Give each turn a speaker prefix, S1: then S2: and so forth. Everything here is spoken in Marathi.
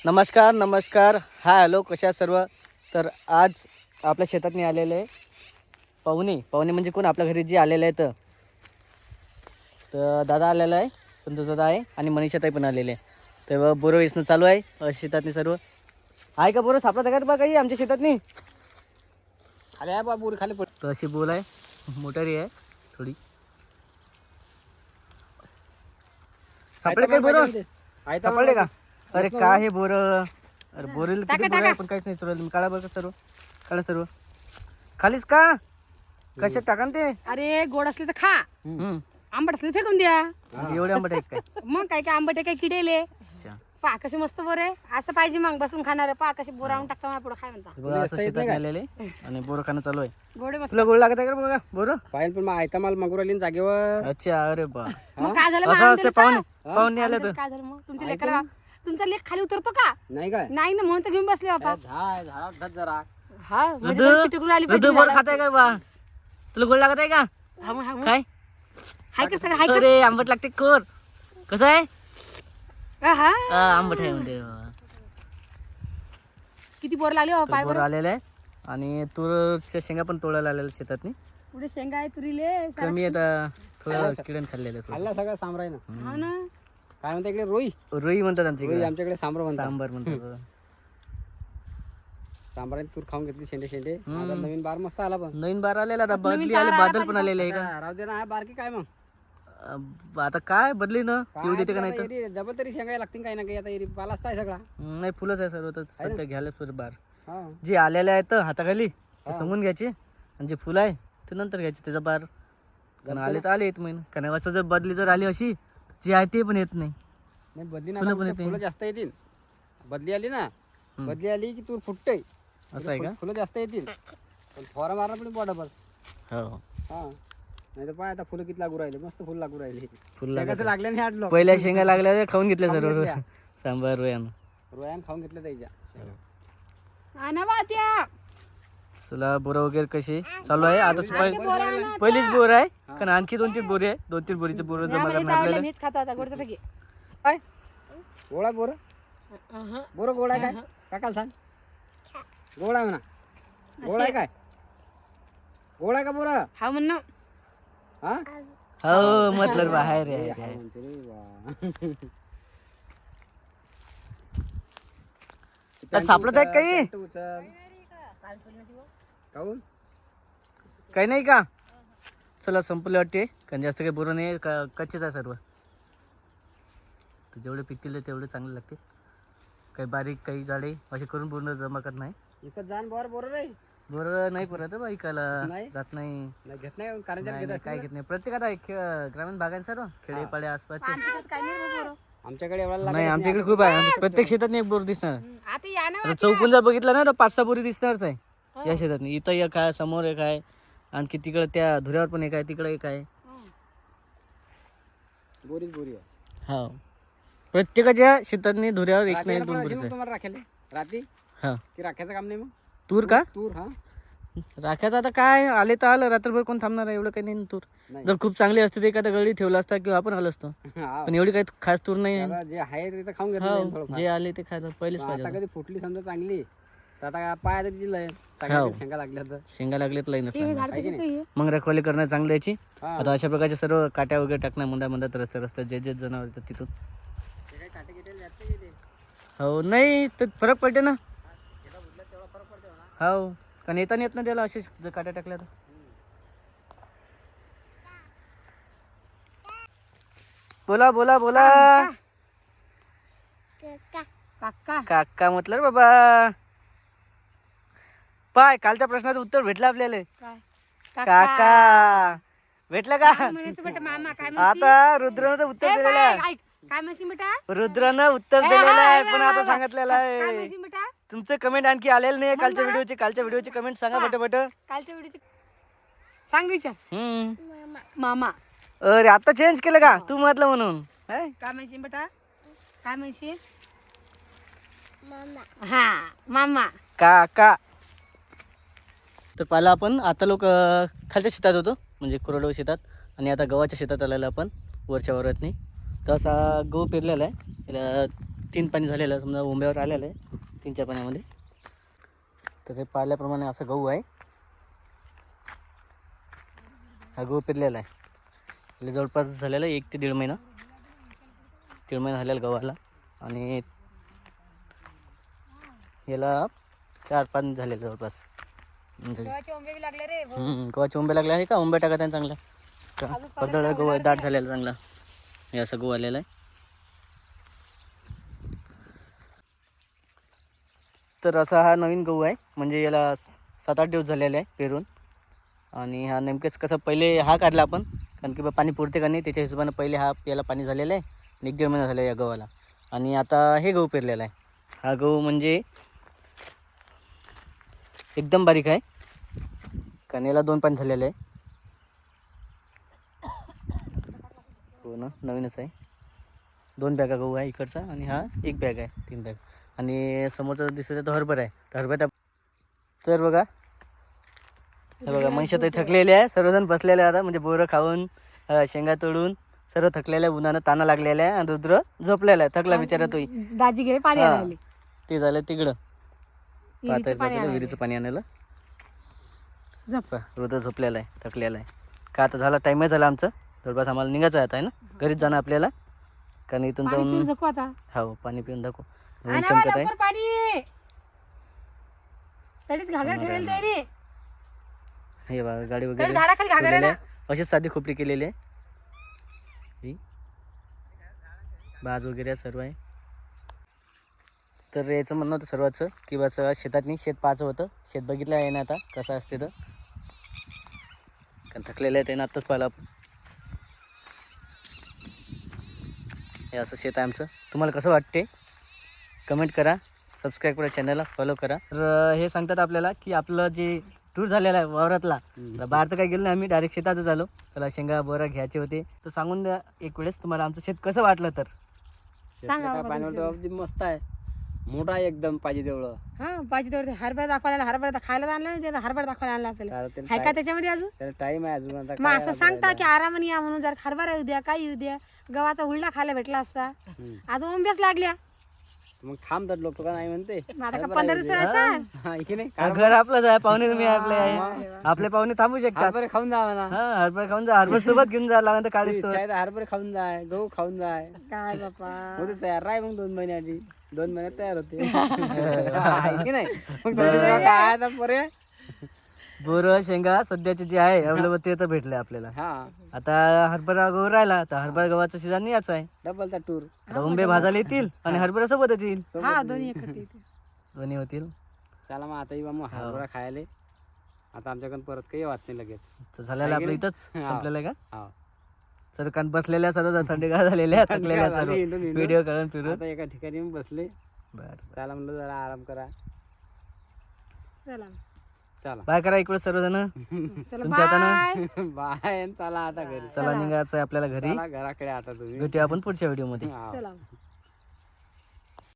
S1: नमस्कार हाय हॅलो कशा सर्व. तर आज आपल्या शेतात आलेले आहे पाहुणे म्हणजे कोण आपल्या घरी जे आलेले आहेत तर दादा आलेला आहे, संतोष दादा आहे आणि मनीषाताई पण आलेले आहे. तेव्हा बोरं वेचणं चालू आहे शेतातनी सर्व. आहे का बोरं सापडत का बा काही आमच्या शेतातनी?
S2: खाली आहे बा बोर खाली पड.
S1: तर अशी बोल आहे, मोटारी आहे थोडी. सापडले काही बोरं? सापडले का? अरे काय हे बोरं? अरे बोरेल किती बोरं आहे पण काहीच नाही चुरलं. काढा बरं का सर्व, काढा सर्व. खालीच का? कशात टाका ना ते?
S3: अरे गोड असले तर खा, आंबट असले तर फेकून द्या.
S1: म्हणजे एवढे आंबट आहेत काय?
S3: मग काय काय आंबट आहे काय किडेले. पा कसे मस्त बोरे असं पाहिजे मग बसून खाणार. पा कसे बोर आणून टाकता मला पुढे खाय म्हणता.
S1: बघा असं शेतात आलेले आणि बोरं खाणं चालू आहे.
S3: गोडे मस्त.
S1: तुला गोड लागत आहे का बघा बोरं?
S2: पाहिजे पण मग आयता माल मागू राहिली ना जागेवर.
S1: अच्छा अरे बा,
S3: मग काय झालं
S1: असं असते पाहुणे आले तर.
S3: काय झालं मग तुमच्या लेकाला? तुमचा लेख खाली उतरतो का?
S2: नाही काय
S3: नाही ना म्हणून तर घेऊन बसले बापा.
S2: झाड जरा
S3: हा म्हणजे बरं चिटकून आली पाहिजे.
S1: गोड खात आहे का बा? तुला गोड लागत आहे का?
S3: हा मग, हा मग.
S1: काय
S3: हाय का सगळं हाय
S1: अरे आंबट लागते कोर. कसं आहे?
S3: का? हा
S1: आंबट आहे म्हणते.
S3: किती बोर लागले बापा.
S1: बोर आलेले आहे आणि तूरच्या शेंगा पण तोडायला आलेल्या शेतात.
S3: पुढे शेंगा आहे तुरीले.
S1: कमी आता थोडं किडन खाल्लेलं आहे.
S2: खाल्ला सगळं सांबराय ना.
S3: हा ना.
S2: काय म्हणता इकडे रोई?
S1: रोई म्हणतात
S2: रोई
S1: आमच्याकडे.
S2: आमच्याकडे सांबर म्हणतात.
S1: सांबार म्हणतात.
S2: सांबराने तूर खाऊन घेतली शेंडे. आता नवीन बार मस्त आला पण.
S1: नवीन बार आलेला आता. बदली आले, बादल पण आलेले आहे का?
S2: राहू दे ना, हा बारकी काय मग
S1: आता काय बदली ना येऊ देते का नाही तर?
S2: जबल तरी शेंगाय लागतील काही ना काही. आता एरी पालाच आहे सगळा.
S1: नाही फुलंच आहे सर्व. तर सध्या घ्यायला सुरू बार
S2: हा
S1: जे आलेले आहेत हाताखाली ते समजून घ्यायचे आणि जे फुलं आहे ते नंतर घ्यायचे. त्याचा बार कारण आले तर आले येत महिना. कारण असं जर बदली जर आली अशी जी आहे ते पण येत नाही.
S2: नाही बदली ना
S1: फुलं पण येते.
S2: फुलं जास्त येतील. बदली आली ना, बदली आली की तूर फुटते.
S1: असं आहे का?
S2: फुलं जास्त येतील पण फवारा मारा पण डबल.
S1: हो
S2: हा नाही तर पाय आता फुलं किती लागू राहिले. मस्त फुल लागू राहिले.
S1: फुल
S2: शेंगा तर लागल्या नाही आडलो.
S1: पहिल्या शेंगा लागल्या खाऊन घेतल्या
S2: खाऊन
S1: सर्व.
S2: घेतल्या.
S1: सांबार रोयानं
S2: रोयान खाऊन घेतलं त्याच्या.
S3: आणा बा त्या.
S1: चला बोरं वगैरे कशी चालू आहे आता. पहिलीच बोर आहे कारण आणखी 2-3 बोरी आहे. 2-3 बोरीचे बोरं जमा करणार आपल्याला.
S3: मीच खातो आता गोडचं पैकी.
S2: काय गोळा बोर बोर गोळा आहे काय? काकाला सांग गोळा आहे म्हणा. गोळा आहे काय? गोळा आहे का बोर?
S3: हा म्हण ना.
S2: हा
S1: हो मतलब बाहेर आहे.
S2: म्हणते रे वा.
S1: सापडत आहेत काही?
S2: काऊन
S1: काही नाही का? चला संपले वाटते कारण जास्त काही बोरं नाही कच्चेच आहे सर्व. तर जेवढे पिकले तेवढे चांगले लागते. काही बारीक काही जाडे असे करून पूर्ण जमा करत नाही.
S2: एकच जाण बोर बोर रे.
S1: बोरं नाही परत बा ऐकायला
S2: नाही?
S1: जात नाही.
S2: नाही घेत नाही कारण
S1: नाही, नाही, काय घेत नाही. प्रत्येकात ग्रामीण भागात सर्व खेडेपाडे आसपासचे.
S3: आमच्यात काही नाही रे बोरं.
S2: आमच्याकडे एवढा
S1: नाही आमच्या इकडे खूप आहे. प्रत्येक शेतात एक बोर दिसणार.
S3: आता या ना
S1: आता चौकून जर बघितलं ना तर 5-6 बोरी दिसणारच आहे या शेतात. इथं एक आहे, समोर एक आहे, आणखी तिकडे त्या धुऱ्यावर पण एक आहे, तिकडे एक आहे.
S2: बोरीच बोरी आहे.
S1: हो प्रत्येकाच्या शेतातनी धुऱ्यावर एक नाही 2 बोरीच आहे.
S2: तुम्हाला राखेल रात्री
S1: हा
S2: की राख्याचं काम नाही मग
S1: तूर का?
S2: तूर हा
S1: राख्याचं आता काय आले तर आलं. रात्रभर कोण थांबणार आहे? एवढं काही नाही तूर.
S2: नाही.
S1: जर खूप चांगली असते ते एखादा गळी ठेवला असता किंवा आपण आलो असतो.
S2: हा.
S1: पण एवढी काही खास तूर नाही आहे.
S2: त्याला जे आहे ते तर खाऊन घेतलं जाईल
S1: हो
S2: थोडंफार.
S1: जे आले ते खायचं पहिलेच
S2: आता
S1: पाहिजे.
S2: कधी फुटली समजा चांगली तर आता पाया तरी दिलंय
S1: हो.
S2: चांगल्या शेंगा लागल्या तर
S1: शेंगा लागलेत लाईन
S3: हे झाड कशाचं आहे?
S1: मग रखवाली करणं चांगलं याची.
S2: हा.
S1: आता अशा प्रकारचे सर्व काट्या वगैरे टाकणं मुंड्या रस्त्यात जे जे जनावर येतात तिथून.
S2: ते काही काटे गिटे जास्त गेले.
S1: हो नाही तर फरक पडते ना.
S2: शेतात उडल्यात तेवढा फरक पडते म्हणा.
S1: हो कारण येताना येत ना त्याला असे जर काट्या टाकल्या तर. बोला बोला बोला.
S3: काका
S1: काका म्हटलं रे बाबा. पाय कालच्या प्रश्नाचं उत्तर भेटलं आपल्याला.
S3: काय
S1: काका भेटलं का?
S3: म्हणायचं बेटा मामा काय म्हणशील?
S1: आता रुद्रानं तर उत्तर
S3: ए,
S1: दिलेलं
S3: बाय,
S1: आहे.
S3: ऐक. काय म्हणशील बेटा?
S1: रुद्रानं उत्तर
S3: ए,
S1: दिलेलं आहे
S3: ए,
S1: पण
S3: ए,
S1: आता
S3: ए,
S1: सांगितलेलं
S3: काय
S1: आहे.
S3: म्हणशील बेटा?
S1: तुमचं कमेंट आणखी आलेलं नाही कालच्या व्हिडिओची कमेंट सांगा पटपट.
S3: कालच्या व्हिडिओची सांग विचार. मामा
S1: अरे आता चेंज केलं का तू म्हटलं म्हणून? हाय?
S3: काय म्हणशील बेटा? काय म्हणशील? हा मामा.
S1: काका. तर पहिला आपण आता लोक खालच्या शेतात होतो म्हणजे कोरडवाहू शेतात आणि आता गव्हाच्या शेतात आलेला आपण वरच्या वावरातनी. तर असा गहू पेरलेला आहे. याला तीन पाणी झालेलं आहे, समजा ओंब्यावर आलेलं आहे 3-4 पाण्यामध्ये. तर ते पाहिल्याप्रमाणे असं गहू आहे. हा गहू पेरलेला आहे. म्हणजे जवळपास झालेला 1 ते 1.5 महिना. 1.5 महिना झालेला गव्हाला. आणि याला 4-5 झाले जवळपास. म्हणजे
S3: गव्हाचे ओंबे बी लागले रे भाऊ.
S1: गव्हाचे ओंबे लागले आहे का? ओंबे टाकत आहे चांगला का?
S3: अजून
S1: पडदळ गहू आहे, दाट झालेला चांगला. हे असं गहू आलेलं आहे. तर असा हा नवीन गहू आहे. म्हणजे याला 7-8 दिवस झालेले आहे पेरून. आणि हा नेमकेच कसं पहिले हा काढला आपण, कारण की पाणी पुरते का नाही त्याच्या हिशोबानं पहिले हा याला पाणी झालेलं आहे. 1-1.5 महिना झाला या गव्हाला. आणि आता हे गहू पेरलेला आहे. हा गहू म्हणजे एकदम बारीक आहे, कारण याला 2 पाणी झालेलं आहे. हो ना, नवीनच आहे. 2 बॅगा गहू आहे इकडचा आणि हा 1 बॅग आहे, 3 बॅग. आणि समोरचा दिसत तो हरभरा आहे. तर हरभरा तर बघा, हे बघा मनुष्य तर थकलेले आहे. सर्वजण बसलेले आहे आता, म्हणजे बोरं खाऊन शेंगा तोडून सर्व थकलेल्या, उन्हानं ताना लागलेला आहे. आणि रुद्र झोपलेला आहे, थकला बिचारा तोही.
S3: दाजी गेले पाणी
S1: हा.
S3: आणायला.
S1: ते झालं तिकडं
S3: विहिरीचं पाणी
S1: बाजूला
S3: आणायला.
S1: विहिरीचं पाणी आणायला.
S3: झोप.
S1: रुद्र झोपलेला आहे, थकलेला आहे. का आता झाला टाईमही झाला आमचं, जवळपास आम्हाला निघायचं आहे आता, आहे ना, घरीच जाणं आपल्याला. कारण इथून
S3: पाणी पिऊन
S1: जाऊन
S3: झोपू आता.
S1: हो पाणी पिऊन दाखव. ऊन
S3: आणा
S1: चमकत
S3: बा
S1: आहे.
S3: लवकर पाणी. तडीत घागर ठेवेल तरी.
S1: हे बघा गाडी
S3: तडीत
S1: वगैरे
S3: झाडाखाली घागर आहे
S1: ठेवलेली
S3: ना.
S1: आहे. अशीच साधी खोपडी केलेली आहे. ही बाज वगैरे सर्व आहे. तर याचं म्हणणं होतं सर्वांचं की बस शेतात नाही, शेत पाहायचं होतं. शेत बघितलं आहे ना आता कसं असते तर, कारण थकलेलं आहे त्यानं आत्ताच पाहिलं आपण. हे असं शेत आहे आमचं. तुम्हाला कसं वाटते कमेंट करा, सबस्क्राईब करा, चॅनलला फॉलो करा. तर हे सांगतात आपल्याला की आपलं जे टूर झालेला आहे वावरातला, तर बाहेर तर काही गेलो नाही आम्ही, डायरेक्ट शेतातच आलो. त्याला शेंगा बोरा घ्यायचे होते. तर सांगून द्या एक वेळेस तुम्हाला आमचं शेत कसं वाटलं तर.
S3: सांगा बाबा
S2: पाणी मस्त आहे, मोठा आहे एकदम, पाहिजे तेवढं.
S3: हा पाहिजे तेवढे हरभरा दाखवायला, हरभरा खायला आणला नाही त्याला, हरभरा दाखवायला आणला आपल्याला.
S2: तर त्याला
S3: आहे का त्याच्यामध्ये अजून?
S2: त्याला टाइम आहे अजून. आता
S3: मग
S2: काय
S3: असं सांगता की आरामाने या म्हणून, जर हरभरा येऊ द्या, काय येऊ द्या, गव्हाचा हुलडा खायला भेटला असता. आज ओंब्याच लागल्या.
S2: मग थांबतात लोक का नाही म्हणते.
S3: मग आता का 15 दिवस असाल?
S2: हा, इथे नाही
S1: घर आपलंच आहे, पाहुणे तुम्ही आपले आहे. आपले पाहुणे थांबू शकतात.
S2: हरभरे खाऊन जा म्हणा.
S1: हा हरभरा खाऊन जा, हरभरा सोबत घेऊन जा लागेल तर काढीस तो.
S2: हरभरे खाऊन जाय, गहू खाऊन जाय,
S3: काय बापा.
S2: होते तयार. राय मग 2 महिने आधी, 2 महिन्यात तयार होते. आहे की नाही? मग तसे जेव्हा काय आता पर्याय.
S1: बोरं शेंगा सध्याचे जे आहे अवेलेबल ते तर भेटले आपल्याला.
S2: हा,
S1: आता हरभरा गहू राहिला, तर हरभरा गव्हाचा सीझन याच आहे.
S2: डबलचा टूर.
S1: आता उंबे भाजायला येतील आणि हरभरा सोबतच येईल,
S3: हा दोन्ही एकत्र येते.
S1: दोन्ही होतील.
S2: चला मग आता येऊ मग हरभरा खायला. आता आमच्याकडून परत काही वाट नाही लगेच.
S1: तर झालेलं आपलं इथंच संपलेलं आहे का?
S2: हा,
S1: सर कारण बसलेल्या सर्व थंडीगार झालेल्या थकलेल्या सर्व
S2: हिंडून हिंडून.
S1: व्हिडिओ काढून फिरून.
S2: आता एका ठिकाणी येऊन बसले.
S1: बरं
S2: चला म्हणलं जरा आराम करा.
S3: चला
S2: चला
S1: बाय करा इकडे सर्वजण.
S3: चला
S1: तुमच्या हातानं
S3: बाय.
S2: बाय. चला आता घरी.
S1: चला निघायचं आहे आपल्याला घरी.
S2: चला घराकडे आता तुम्ही.
S1: भेटूया आपण पुढच्या व्हिडिओ मध्ये.
S2: हा.
S3: चला